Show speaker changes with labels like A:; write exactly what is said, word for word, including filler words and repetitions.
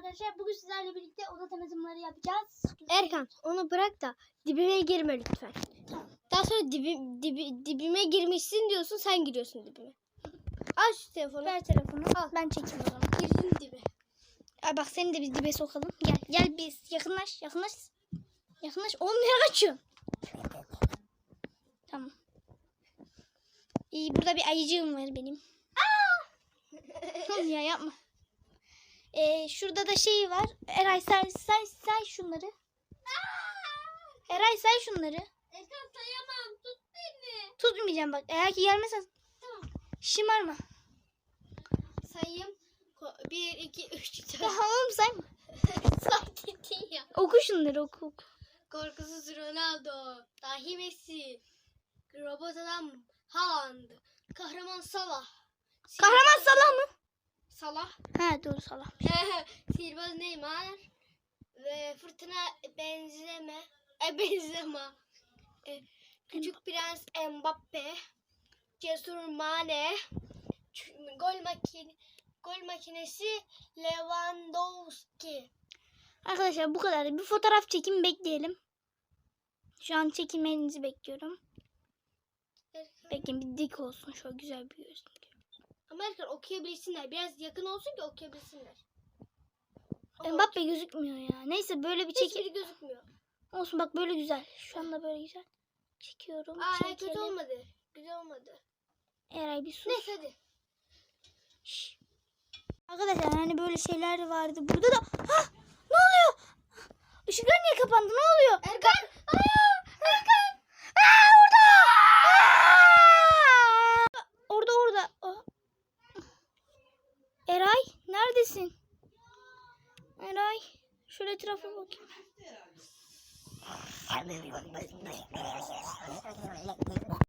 A: arkadaşlar. Bugün sizlerle birlikte oda tanıtımları yapacağız.
B: Erkan onu bırak da dibime girme lütfen.
A: Tamam.
B: Daha sonra dibi, dibi, dibime girmişsin diyorsun, sen giriyorsun dibime. Al şu telefonu.
A: Ver telefonu. Al. Ben çekeyim o zaman.
B: Girdin dibe.
A: Ay bak seni de biz dibe sokalım. Gel. Gel biz. Yakınlaş. Yakınlaş. Yakınlaş. Oğlum nereye kaçıyorsun? Tamam. İyi, burada bir ayıcığım var benim. Oğlum ya yapma. Ee, şurada da şey var. Eray say say say şunları. Eray say şunları.
B: Erkan sayamam, tut beni.
A: Tutmayacağım bak. Eğer ki gelmezsen.
B: Tamam.
A: Şımarma.
B: Sayayım. Bir, iki, üç, dört.
A: Daha oğlum sayma.
B: Say gittin ya.
A: Oku şunları oku. oku.
B: Korkusuz Ronaldo. Dahi Messi. Robot adam Haaland. Kahraman Salah.
A: Kahraman Salah mı?
B: Salah.
A: Ha doğru Salah.
B: Sihirbaz Neymar. Ve fırtına benzeme. E benzeme. E, küçük prens Mbappe. Cesur Mane. Ç- Gol makine gol makinesi Lewandowski.
A: Arkadaşlar bu kadar. Bir fotoğraf çekin, bekleyelim. Şu an çekilmenizi bekliyorum. Bekleyin, bir dik olsun. Şöyle güzel bir görsün.
B: Ama Erkan okuyabilsinler. Biraz yakın olsun ki okuyabilsinler.
A: Mbappe gözükmüyor ya. Neyse böyle bir
B: Hiçbiri
A: çekim.
B: gözükmüyor.
A: Olsun bak böyle güzel. Şu anda böyle güzel. Çekiyorum.
B: Aa kötü
A: çekelim.
B: olmadı. Güzel olmadı.
A: Eray bir sus.
B: Neyse hadi.
A: Şş. Arkadaşlar hani böyle şeyler vardı. Burada da Hah! Ne oluyor? Işıklar niye kapandı? Ne oluyor?
B: Erkan! Aa! Erkan!
A: Aa, orada! Aa! Orada orada. Aa. Eray neredesin? Eray şöyle etrafa bakayım.